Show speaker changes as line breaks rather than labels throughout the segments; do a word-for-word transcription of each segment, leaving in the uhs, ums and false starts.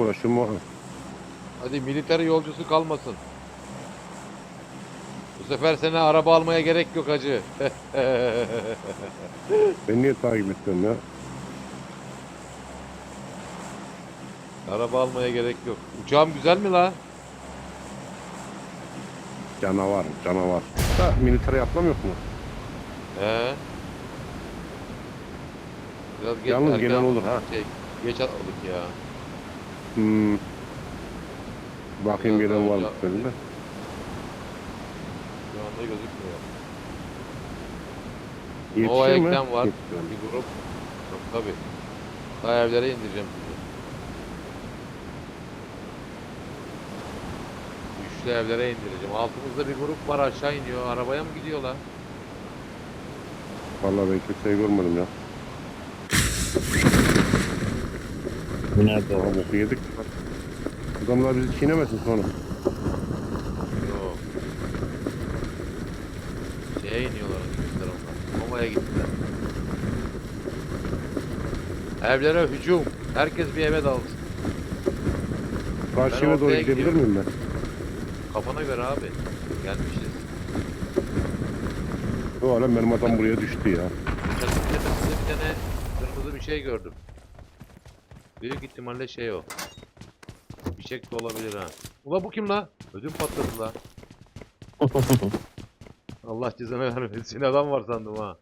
uğraşıyorum o.
Hadi militer yolcusu kalmasın. Bu sefer sana araba almaya gerek yok hacı.
Ben niye takip etmiyorum ya?
Araba almaya gerek yok. Uçağım güzel mi la?
Canavar, canavar. Da militere atlamıyor mu?
He. Biraz geç
Yalnız
erken
gelen olur
atladık.
ha.
Şey, geç atladık ya.
Hmm. Bakayım
Biraz daha
gelen var
önce
mı senin
atladık.
de?
Şu anda gözükmüyor. Nova
Yetişir mi?
Ekten var.
Yetişir.
Bir grup. Yok tabi. Daha evlere indireceğim sizi. Üçlü evlere indireceğim. Altımızda bir grup var, aşağı iniyor. Arabaya mı gidiyorlar?
Vallahi ben kimseyi görmedim ya.
Bu nerede
Aha
o?
boku yedik. Adamlar bizi çiğnemesin sonra.
Yok. Şeye iniyorlar, gittiler onlar. Nova'ya gittiler. Evlere hücum. Herkes bir eve dalsın.
Karşı
Ben
eve doğru
ortaya
gidebilir
gidiyorum.
miyim ben?
Kafana göre abi. Gelmişiz.
O alem benim adam buraya düştü ya.
Çatının tepesinde bir tane kırmızı bir şey gördüm. Büyük ihtimalle şey o. Fişek de olabilir ha. Ula bu kim la? Ödüm patladı la. Allah cezanı vermesin. Adam var sandım ha.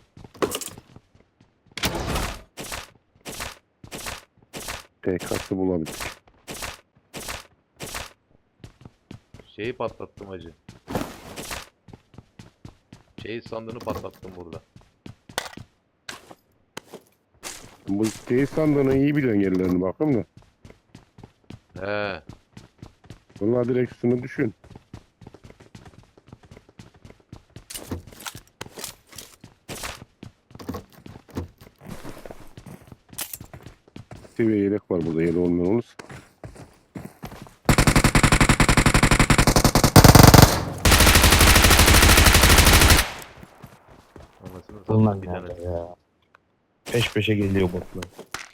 P K'sı bulabildik.
Şeyi patlattım hacı. Şeyi sandığını patlattım burada.
Bu teyit sandığının iyi biliyorsun yerlerini bakın da.
He.
Vallahi direkt üstüne düşün. Seviye yelek var burada, yelek olmayan olursa.
Anasını
Bunlar
sattım bir tane.
nerede ya? Peş peşe geliyor botlar.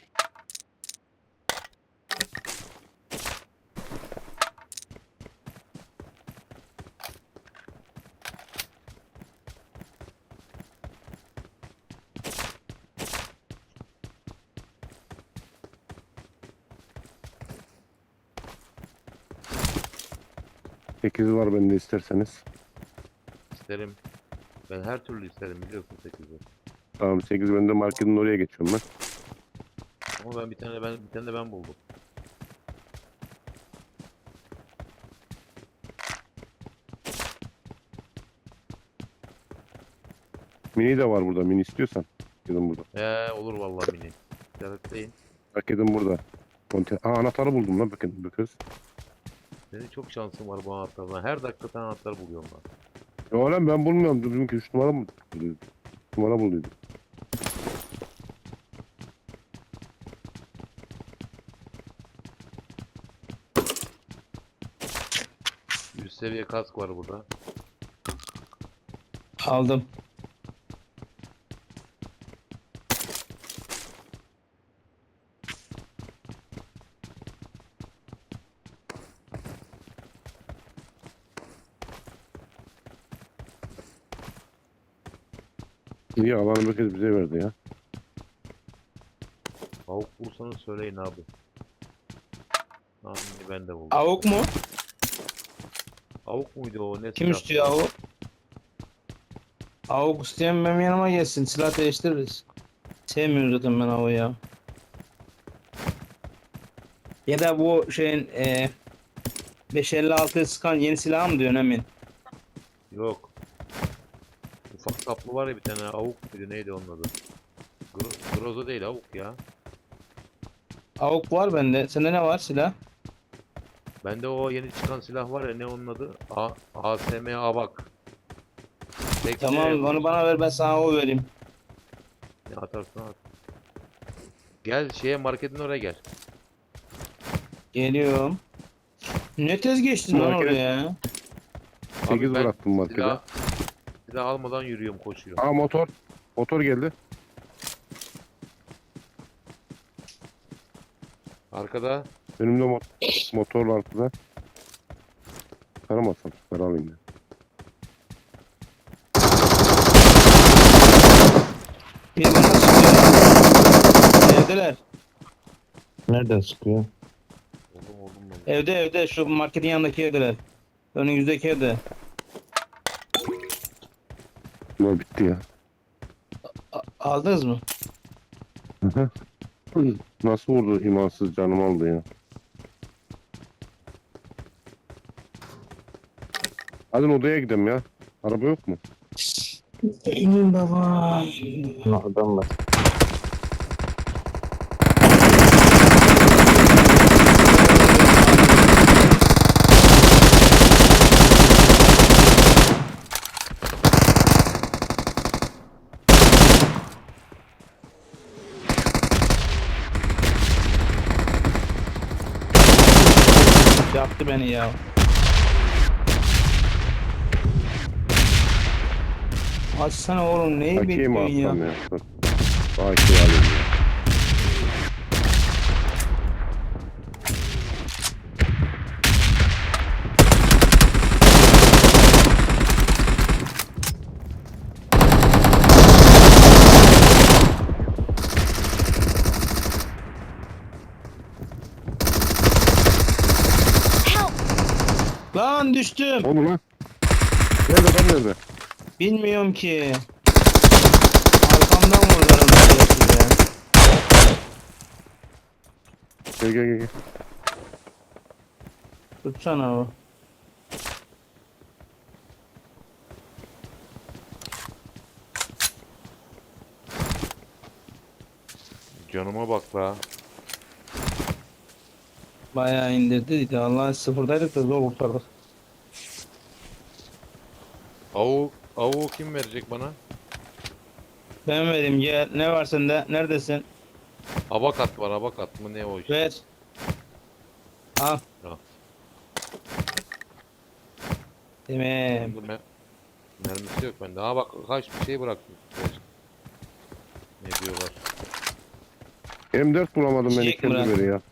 sekiz var bende isterseniz.
İsterim. Ben her türlü isterim, biliyorsun sekizi.
Tamam, sekiz bende, marketin oraya geçiyorum ben.
Ama ben bir tane ben bir tane de ben buldum.
Mini de var burada, mini istiyorsan. Marketin burada.
He olur vallahi mini. İşaretleyin.
Marketin burada. Konte Aa, anahtarı buldum lan, bakın bu kız.
Senin çok şansın var bu anahtardan. Her dakika tane anahtar buluyorum ben.
Ya lan ben bulmuyorum. Dedim ki üç numara mı? Üç numara bulduydum.
Üst seviye kask var burada.
Aldım.
İyi, alanı bir kez bize verdi ya.
Avuk bulsanız söyleyin abi. Tahmini ben de buldum.
Avuk mu?
Avuk muydu o? Ne
Kim
silah?
istiyor avuk? Avuk isteyen benim yanıma gelsin. Silah değiştiririz. Sevmiyorum zaten ben avuğu ya. Ya da bu şeyin e, beş elli altı sıkan yeni silah mı diyorsun Emin?
Yok. Ufak saplı var ya bir tane, avuk muydu neydi onun adı? Gro Groza değil, avuk ya.
Avuk var bende. Sende ne var silah?
Bende o yeni çıkan silah var ya, ne onun adı? A ASM Avak. Tek
Tamam onu bana ver, ben sana o vereyim.
Ne atarsan at. Gel şeye, marketin oraya gel.
Geliyorum. Ne tez geçtin lan
Market-
oraya ya?
sekiz
ben
bıraktım markete.
Silah, silah almadan yürüyorum, koşuyorum.
Aa, motor. Motor geldi.
Arkada
Önümde mot motorla arkada. Taramazsam süper alayım ya.
Bir bana sıkıyor. Evdeler.
Nereden sıkıyor?
Oldum oldum ben.
Evde evde şu marketin yanındaki evdeler. Önünüzdeki evde.
Ne bitti ya.
A- aldınız mı?
Nasıl vurdu imansız canım aldı ya. Hadi odaya gidelim ya. Araba yok mu?
Emin baba.
Ha, adam var.
Yaptı beni ya. Açsana oğlum neyi
Hakiye mi
bekliyorsun ya?
atsam ya? Dur. Hakiye alayım ya.
Lan düştüm.
Onu lan. Nerede lan nerede?
Bilmiyorum ki. Arkamdan vurdular onu size.
Gel gel gel. gel.
Tutsana o.
Canıma bak la.
Bayağı indirdi. Allah sıfırdaydık da zor kurtardık.
Avuk, avuğu kim verecek bana?
Ben vereyim gel. Ne var sende? Neredesin?
Abakat var, abakat mı ne o işte?
Ver. Al.
Al.
Tamam.
Bende me- mermisi yok bende. Ha bak kaç bir şey bıraktım. Ne diyorlar?
M dört bulamadım ben
Çiçek
ikinci
Murat.
beri ya.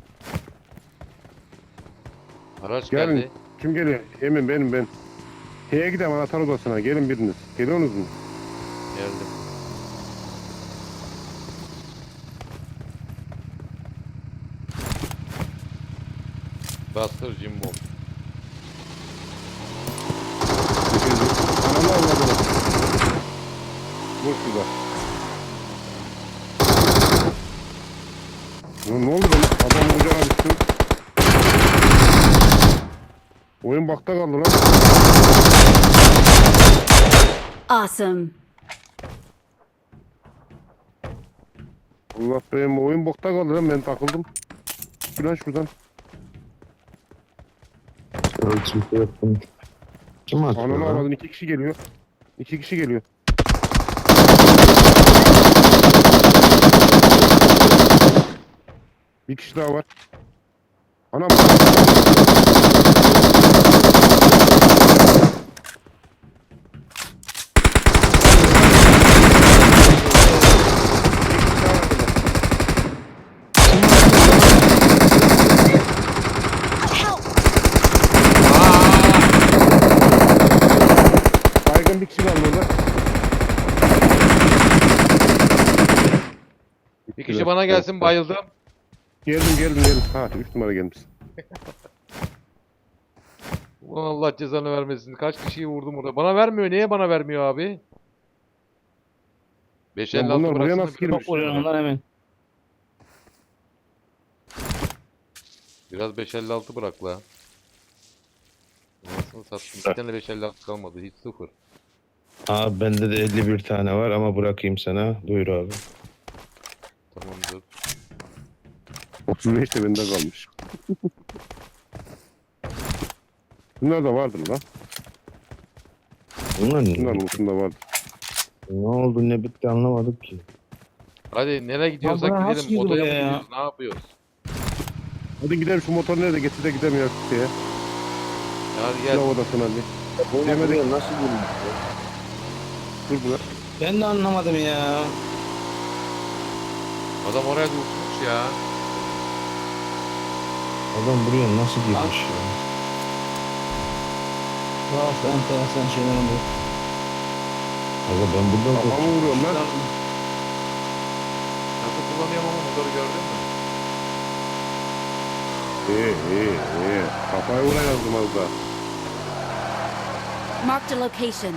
Araç
Gelin.
geldi.
Kim geliyor? Emin benim ben. Şeye gidelim anahtar odasına. Gelin biriniz. Geliyorsunuz mu?
Geldim. Bastır Jimbo.
Ananı avladım. Vur şurada. Ya ne oldu lan? Adam vuracağına düştü. Oyun bakta kaldı lan.
Awesome.
Allah benim oyun bokta kaldı lan ben takıldım. Şuradan şuradan.
Ölçüm yok bunun. Kim atıyor
Ananı
lan?
avladın iki kişi geliyor. İki kişi geliyor. Bir kişi daha var. Anam.
Help!
Baygın bir kişi kaldı orada.
Bir kişi bana gelsin bayıldım.
Geldim geldim geldim. Ha üç numara gelmiş.
Ulan Allah cezanı vermesin. Kaç kişiyi vurdum orada. Bana vermiyor. Niye bana vermiyor abi? beş
Lan
elli altı
bunlar buraya
bıraksana
nasıl
bir-
girmiş?
Çok vuruyor ondan hemen.
Biraz beş elli altı bırak la. Anasını sattım. Bir tane beş elli altı kalmadı. Hiç sıfır.
Abi bende de elli bir tane var ama bırakayım sana. Buyur abi.
Tamamdır.
otuz beş de bende kalmış. Bunlar da vardır lan.
Bunlar
Bunlar
ne?
ucunda vardır.
Ne oldu ne bitti anlamadık ki.
Hadi nereye gidiyorsak
buna nasıl
gidelim.
girdi
Odaya mı
buraya ya?
gidiyoruz? Ne yapıyoruz?
Hadi gidelim şu motor nerede getir de gidelim ya şeye.
Hadi
Silah
gel.
odasına bir.
Bu
Demedik.
buraya nasıl girmiş?
Dur buna.
Ben de anlamadım ya.
Adam oraya da uçmuş ya.
Adam buraya nasıl girmiş ya?
Tuhaf, enteresan şeyler oluyor.
Aga ben buradan
Kafamı
korktum.
vuruyorum lan.
Nasıl kullanıyorum ama motoru gördün mü?
İyi iyi iyi. Kafayı vurayım az da.
Marked a location.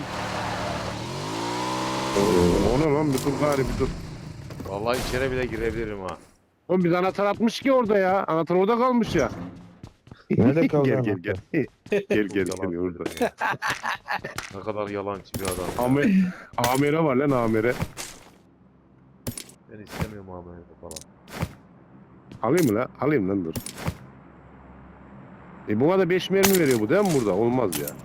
O ne lan bir dur gari bir dur.
Vallahi içeri bile girebilirim ha.
Oğlum biz anahtar atmış ki orada ya. Anahtar orada kalmış ya.
Nerede kaldı
Gel gel
anahtar?
gel. Gel gel
Yalan
gel orada.
söylüyor. Ne kadar yalancı bir adam.
Amir, amire var lan amire.
Ben istemiyorum abi falan.
Alayım mı lan? Alayım lan dur. E buna da beş mermi veriyor bu değil mi burada? Olmaz ya.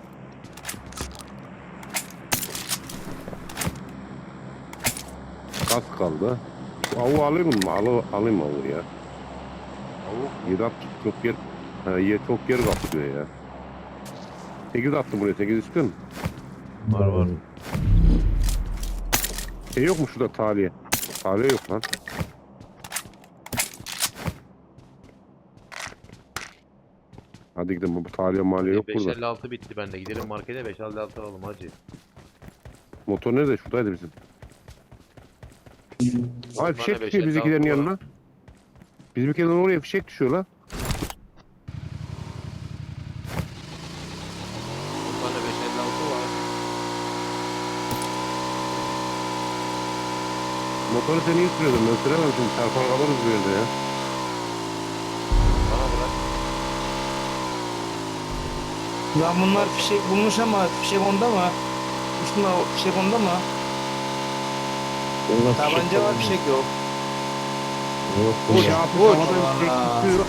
Kas kaldı. Avu alayım mı? Alı, alayım avu ya.
Avuk
yedi at çok yer. Ha, yer çok yer kaplıyor ya. sekiz attım buraya. sekiz istiyor musun?
var var.
Şey yok mu şurada taliye? Taliye yok lan. Hadi gidelim bu taliye maliye yok burada.
beş elli altı bitti bende. Gidelim markete beş elli altı alalım hacı.
Motor nerede? Şuradaydı bizim. Ay
Bana
fişek
beş
düşüyor
elli
bizimkilerin
altı
yanına. Bizimkilerin oraya fişek düşüyor lan.
Bana beş elli altı var.
Motoru sen iyi sürüyordun. Ben süremem şimdi. Çarpar kalırız bir yerde ya.
Bana bırak.
Lan bunlar fişek bulmuş ama fişek onda mı? Üstünde o fişek onda mı?
Bunlar
Tabanca
fişek
var,
falan
fişek yok.
Yok
Bu
bunlar.
şey yapmış.
Uç.
Havada fişek
Allah.
düşüyor.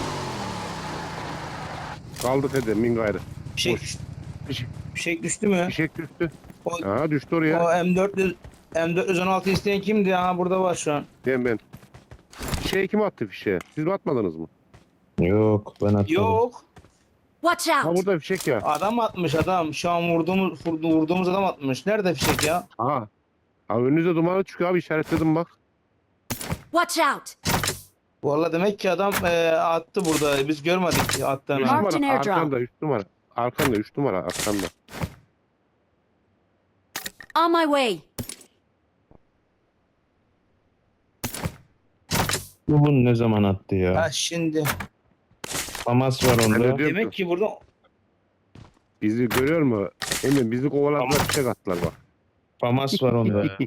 Kaldı Fede. Min gayrı.
Fişek,
Boş. Fişek,
fişek düştü mü?
fişek düştü.
O,
Ha düştü oraya.
o M dört yüz M dört yüz on altı isteyen kimdi? Ha burada var şu an.
Ben ben. Fişeği kim attı fişeğe? Siz mi atmadınız mı?
Yok ben atmadım.
Yok.
Watch
Ha
out!
burada fişek ya.
Adam atmış adam. Şu an vurduğumuz vurdu- vurduğumuz adam atmış. Nerede fişek ya?
Ha. Ha önünüze dumanı çıkıyor abi işaretledim bak.
Watch out!
Vallahi demek ki adam e, attı burada. Biz görmedik attığını.
Üç
Marked an
numara
airdrop.
arkanda üç numara. Arkanda üç numara arkanda.
On my way!
Bu bunu ne zaman attı ya?
Ha şimdi.
Famas var
Ben de
onda.
diyorum
Demek
ki
ki burada
bizi görüyor mu? Emin bizi kovaladılar fişek attılar bak.
Famas var onda.
Ee,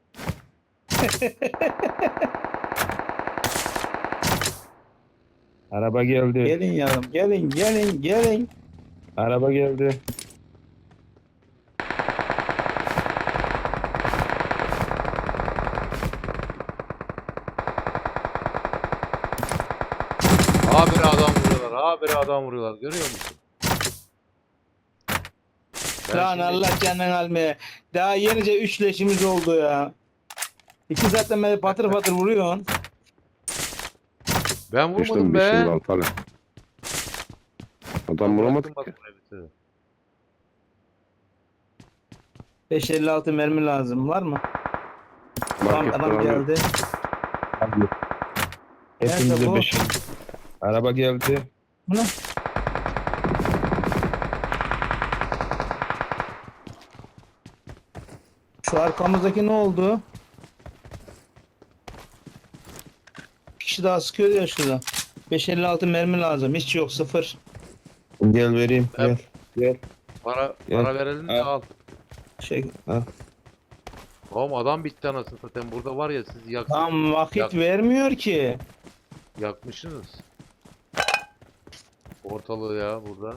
Araba geldi.
gelin yavrum. Gelin gelin gelin.
Araba geldi.
Habire adam vuruyorlar. Habire adam vuruyorlar. Görüyor musun? Ben
Lan
şimdi-
Allah canını almaya. Daha yenice üç leşimiz oldu ya. İki zaten beni patır patır vuruyorsun.
Ben vurmadım
İşte
be.
beş yıl altı falan. Adam
Ben
vuramadık
bıraktım
ki.
bak buraya bitirdim.
beş elli altı mermi lazım. Var mı? Tamam
Marketten
adam
alıyorum.
geldi. Nerede
Hepimize
bu?
beş. Araba geldi.
Bu ne? Şu arkamızdaki ne oldu? Bir kişi daha sıkıyor ya şurada. beş elli altı mermi lazım. Hiç yok, sıfır.
Gel vereyim. Gel.
Evet.
Gel.
Para,
Gel.
para verelim de
Al.
al.
Şey,
Oğlum adam bitti anasını satayım. Burada var ya siz yak,
tam vakit
Yak.
vermiyor ki.
yakmışsınız. Ortalığı ya burada.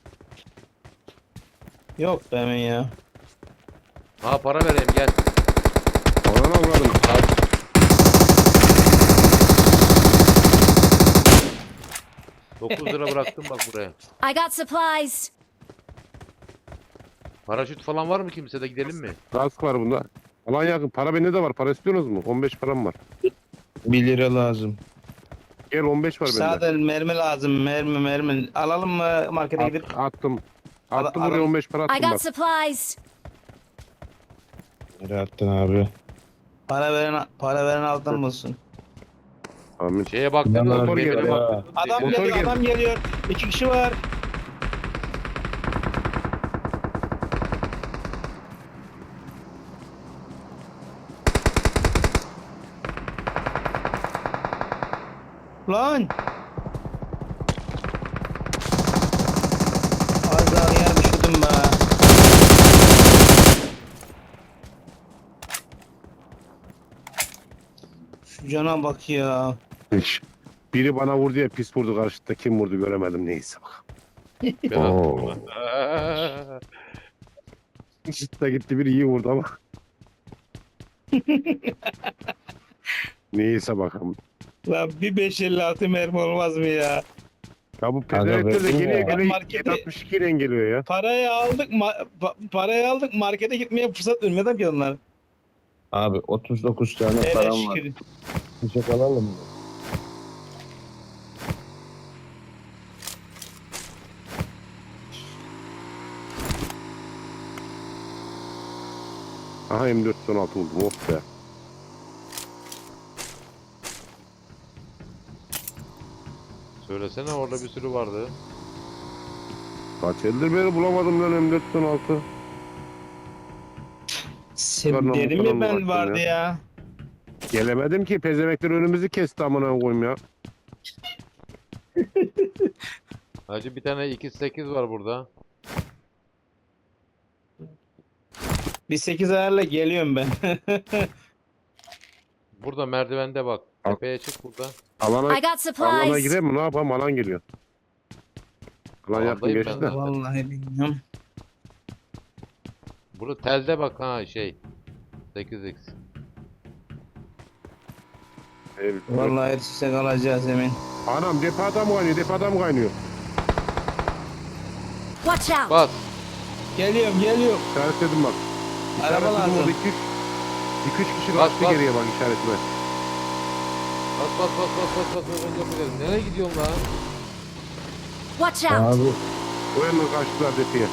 Yok be hemen ya.
Ha para vereyim gel.
Ananı avradım.
dokuz lira bıraktım bak buraya.
I got supplies!
Paraşüt falan var mı kimsede gidelim mi?
Kask var bunda. Alan yakın. Para bende de var. Para istiyorsunuz mu? on beş param var.
Bir lira lazım.
Gel on beş var bende.
Zaten mermi lazım. Mermi mermi. Alalım mı markete gidip?
At, attım.
Al-
Attım
al-
buraya on beş para
I
attım
got
bak.
supplies!
Nereye attın abi?
Para veren para veren altın bulsun.
Amin.
Şeye baktınız mı?
Motor
Gemine
geliyor
ha.
baktınız mı?
Adam
Gemine-
Motor
geliyor,
geldi.
adam geliyor. İki kişi var. Lan. Az daha yer düşürdüm be. Şu cana bak ya.
Hiç. Biri bana vurdu ya pis vurdu karşıda. Kim vurdu göremedim neyse bak.
Ben
Oo.
attım ona.
Çıtta gitti biri iyi vurdu ama. Neyse bakalım.
Lan bir beş elli altı mermi olmaz mı ya?
Ya bu
Aga
pezevenkler de
be.
geliyor
Ben
geliyor
markete-
yedi altmış iki ile geliyor ya.
Parayı aldık, ma- pa- parayı aldık markete gitmeye fırsat vermedi ki onlar.
Abi otuz dokuz tane
Hele
param var.
şükür.
Bıçak alalım mı?
Aha M dört on altı buldum of be.
Söylesene orada bir sürü vardı.
Kaç eldir beri bulamadım lan M dört on altı.
Sen
Karnım
dedim
falan
ya ben
baktım
vardı
ya.
ya.
Gelemedim ki pezemekler önümüzü kesti amına koyayım ya.
Hacı bir tane iki sekiz var burada.
Bir sekiz ayarla geliyorum ben.
Burada merdivende bak.
Al.
Tepeye çık burada.
Alana,
I got
alana
supplies.
girelim mi ne yapalım alan geliyor. Alan yakın
Alandayım
geçti
ben
de.
de.
Vallahi bilmiyorum.
Burada telde bak ha şey. sekiz x.
Evet.
Vallahi erişsek alacağız emin.
Anam depo adam kaynıyor depo adam kaynıyor.
Watch out.
Bas.
Geliyorum geliyorum.
İşaretledim bak.
Araba
İşaretledim
lazım.
orada iki üç. iki üç kişi
Bak,
kaçtı
bak.
geriye bak işaretime.
Bas bas bas bas bas bas. bas, bas, bas. Nereye gidiyorsun lan?
Watch out.
Abi
O yandan kaçtılar depoya.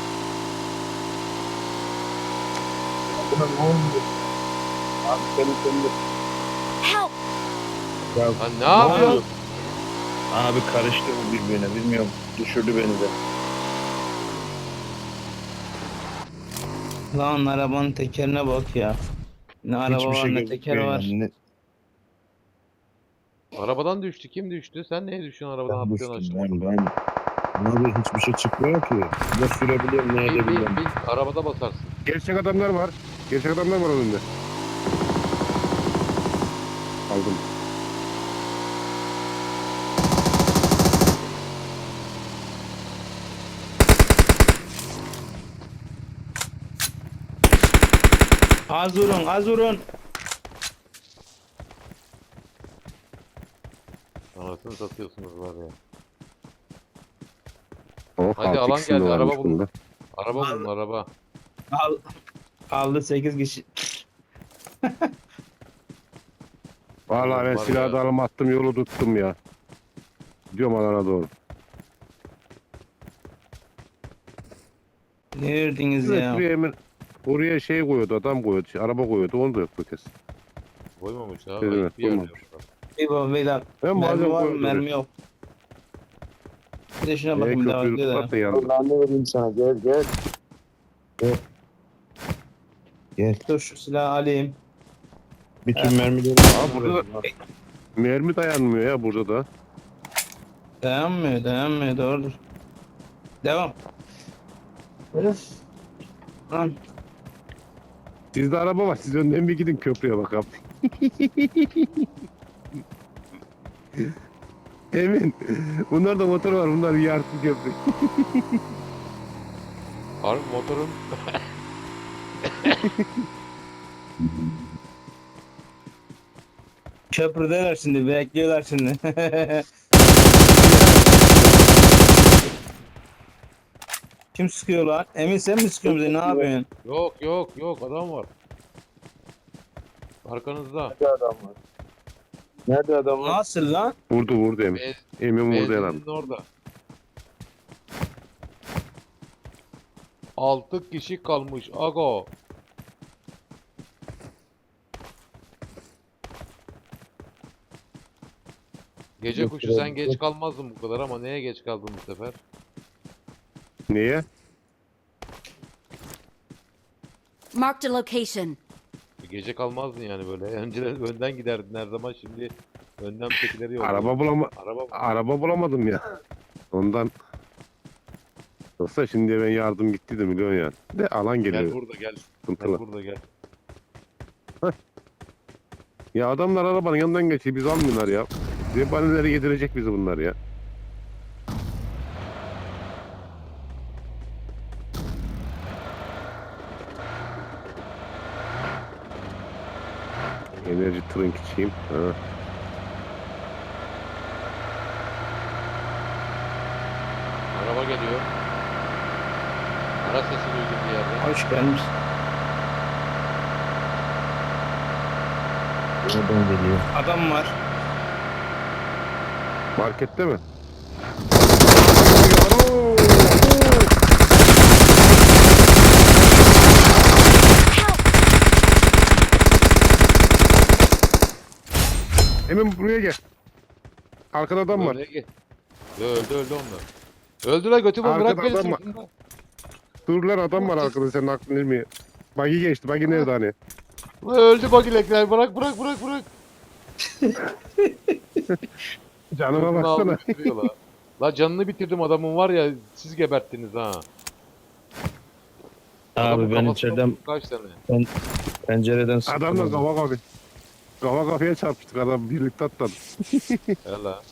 Abi seni seni
Help.
Lan ne yapıyorsun?
Abi karıştı bu birbirine bilmiyorum. Düşürdü beni de.
Lan arabanın tekerine bak ya. Ne araba
Hiçbir
var
şey
ne teker
gözükmüyor
var.
yani. Ne-
Arabadan düştü. Kim düştü? Sen neye düştün arabadan
Ben
atlıyorsun
düştüm
aşağı?
ben ben. Abi hiçbir şey çıkmıyor ki. Ne sürebiliyorum ne
Bil bil
edebiliyorum.
bil. Arabada basarsın.
Gerçek adamlar var. Gerçek adamlar var önünde. Aldım.
Az vurun az vurun.
Anasını satıyorsunuz var ya.
Oh,
Hadi,
altı
alan
ikisinde
geldi,
varmış
araba bulun.
bunda.
Araba bulun araba.
Al, aldı sekiz kişi.
Vallahi ben
Var
silahı
ya.
da alıp attım yolu tuttum ya. Gidiyorum alana doğru.
Nerediniz
Evet,
ya?
buraya hemen oraya şey koyuyordu adam koyuyordu. şey, araba koyuyordu onu da yok bu kez.
Koymamış ha.
Evet,
ayıp bir yer
koymamış.
diyor.
Bir bak beyler.
Ben
Mermi
bazen
var mı?
koyuyordu.
Mermi yok. Bir de şuna
Ee,
bakayım devam
köprüyü
ediyor da.
tutar da yandı.
Allah'ını vereyim sana gel gel. Gel. Gel.
Dur şu silahı alayım.
Bütün mermileri.
Aa, burada da- Mermi dayanmıyor ya burada da.
Dayanmıyor dayanmıyor doğrudur. Devam. Öf. Lan
Sizde araba var. Siz önden bir gidin köprüye bakalım. Emin. Bunlar da motor var. Bunlar yarsın köprü.
Harbi motorun
köprüdeler şimdi bekliyorlar şimdi. Kim sıkıyor lan? Emin sen mi sıkıyorsun bizi? Ne yapıyorsun?
yok yok yok adam var. Arkanızda.
Nerede adam var? Nerede adam var?
Nasıl lan?
Vurdu vurdu Emin.
Bez,
Emin vurdu herhalde.
benzinin orada. Altı kişi kalmış Ago. Gece
Yok,
kuşu
yok,
sen
yok.
geç kalmazdın bu kadar ama neye geç kaldın bu sefer?
Niye?
Marked a location.
Gece kalmazdın yani böyle. Önceden önden giderdin her zaman, şimdi önden tekileri yolluyor.
Araba bulama
Araba mı?
araba bulamadım ya. Ondan. Yoksa şimdi ben yardım gitti de milyon yani. De alan
Gel
geliyor.
burada gel. Gel
Sıkıntılı.
burada gel.
Ya adamlar arabanın yanından geçiyor. Biz almıyorlar ya. Zebanileri yedirecek bizi bunlar ya. Enerji trink içeyim. Ha.
Araba geliyor. Ara sesi duydum bir yerde.
Hoş gelmiş.
Oradan geliyor.
Adam var.
Markette mi? Hemen buraya gel. Arkada adam var.
Nereye gel? Yo, öldü öldü onlar. Öldü lan, götü bu,
Arkada
bırak beni
adam var.
sırtında.
Dur lan, adam var arkada, senin aklın ilmi. Bagi geçti. Bagi nerede hani?
Ulan öldü bagilekler, bırak bırak bırak bırak.
Canıma
Sırtını aldı,
baksana.
götürüyor la. La canını bitirdim adamın var ya, siz geberttiniz ha. Adamın
Abi ben
kafasına
içeriden
vurduk kaç tane.
pencereden sıktım.
Adamla
onu.
kafa kafa. Kafa kafaya çarpıştık, adam birlikte atladı.
Hela.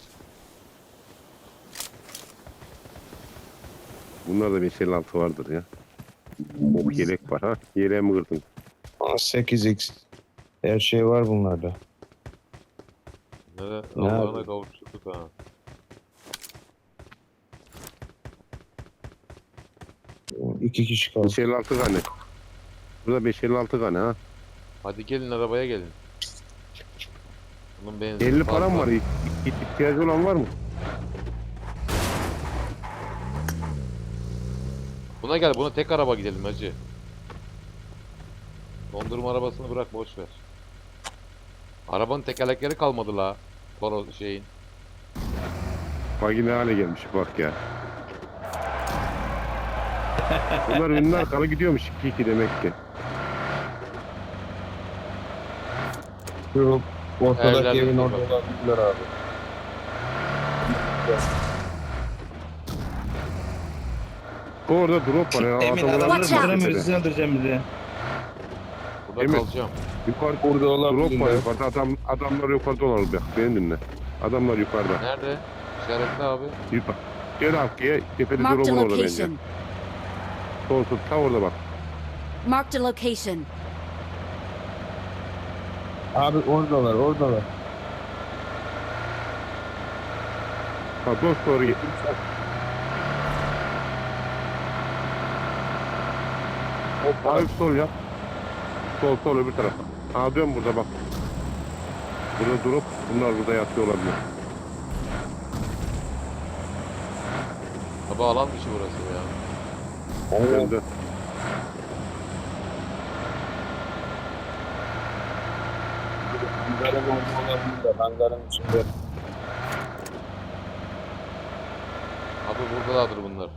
Bunlarda beş elli altı vardır ya. O yelek var ha. Yeleğe mi kırdın?
Aa, sekiz x. Her şey var bunlarda.
Nere?
Ne
Allah'ına
abi?
kavuşturduk ha.
İki kişi kaldı.
beş elli altı tane. Burada beş elli altı tane ha.
Hadi gelin arabaya gelin. Bunun benzin
elli
fazla.
param var. İ- İ- İhtiyacı olan var mı?
Buna gel, buna tek araba gidelim hacı. Dondurma arabasını bırak, boş ver. Arabanın tekerlekleri kalmadı la. Toro şeyin.
Bagi ne hale gelmiş bak ya. Bunlar ünlü arkalı gidiyormuş iki iki demek ki.
Şu ortadaki
Evlerde
evin
dur
orada
bak.
olabilirler abi.
Orada drop var ya.
Emin
adamlar
adamları
Watch out.
vuramıyoruz. Siz öldüreceğim bizi.
Burada
Emin.
kalacağım.
Yukarı
Burada
drop var
olabilirler.
yukarıda. Adam, adamlar yukarıda olur bak. Beni dinle. Adamlar yukarıda.
Nerede? İşaretli abi.
Yukarı. Gel arkaya. Tepede
Marked a
drop'un orada bence.
location.
Sol sol. Ta orada bak.
Marked a location.
Abi oradalar oradalar.
Ha dost doğru git. Hafif sol yap. Sol sol öbür tarafa. Ha dön burada bak. Burada durup bunlar burada yatıyor olabilir.
Baba alan dışı burası ya.
Dön dön.
Hangarın orada olabilirler. Hangarın içinde.
Abi buradalardır bunlar.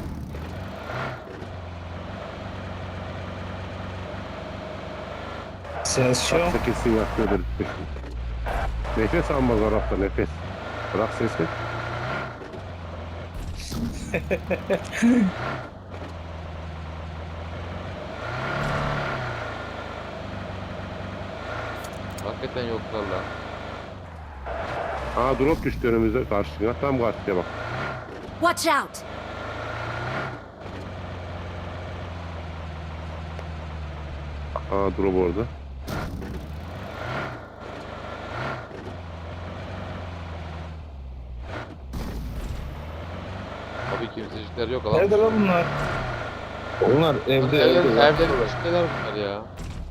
Ses yok.
Baksa kesin yatıyordur. Nefes almaz Arap'ta nefes. Bırak sesi.
Hakikaten yoklar lan.
Aa drop düştü önümüze karşıya. Tam karşıya bak.
Watch out!
Aa drop orada.
Abi kimsecikler yok alan
Nerede
dışı.
lan bunlar?
Onlar evde
Evlerin,
evde.
evlerin içindeler bunlar ya.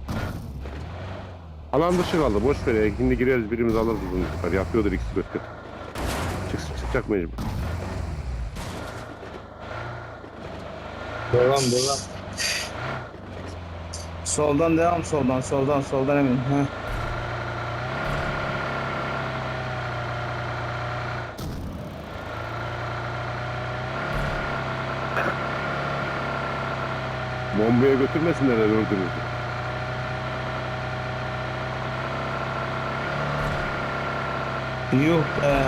Alan dışı kaldı. Boş ver ya. Şimdi gireriz birimiz alırız bunu yukarı. Yapıyordur ikisi kötü. Çıksın çıkacak mecbur.
Devam devam.
Soldan devam soldan soldan soldan emin. Ha.
Bombaya götürmesinler öldürürüz.
Yok be.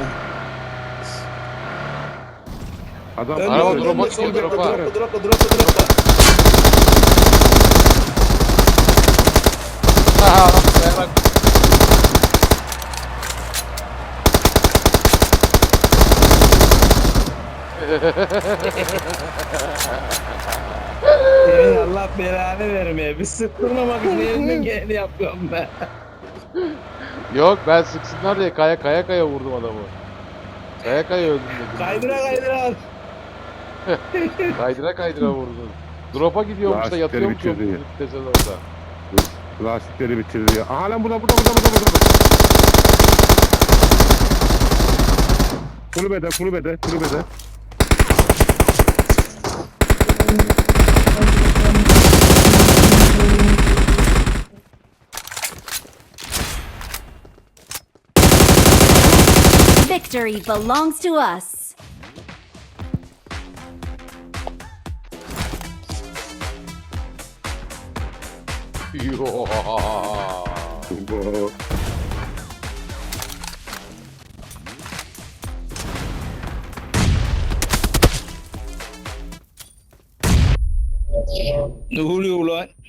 Adam
Önde,
Araba
önde,
drop'a
önde,
gidiyor,
solda,
drop'a.
drop'a, drop'a, drop'a, drop'a.
Ha, dayanak.
Senin Allah belanı vermeye. Bir sıktırmamak için elimden geleni yapıyorum ben.
Yok ben sıksınlar diye kaya kaya kaya vurdum adamı. Kaya kaya öldüm dedim.
Kaydıra kaydıra.
Kaydıra kaydıra vurdum. Drop'a gidiyormuş da
Lastikleri
yatıyormuş
bitirdi ya.
yok vitesen orada.
lastikleri bitirdi ya. Aha lan burada burada burada burada burada. Kulübede kulübede kulübede.
Victory belongs to us.
Yo.
Bu-
Ne oluyor ulan?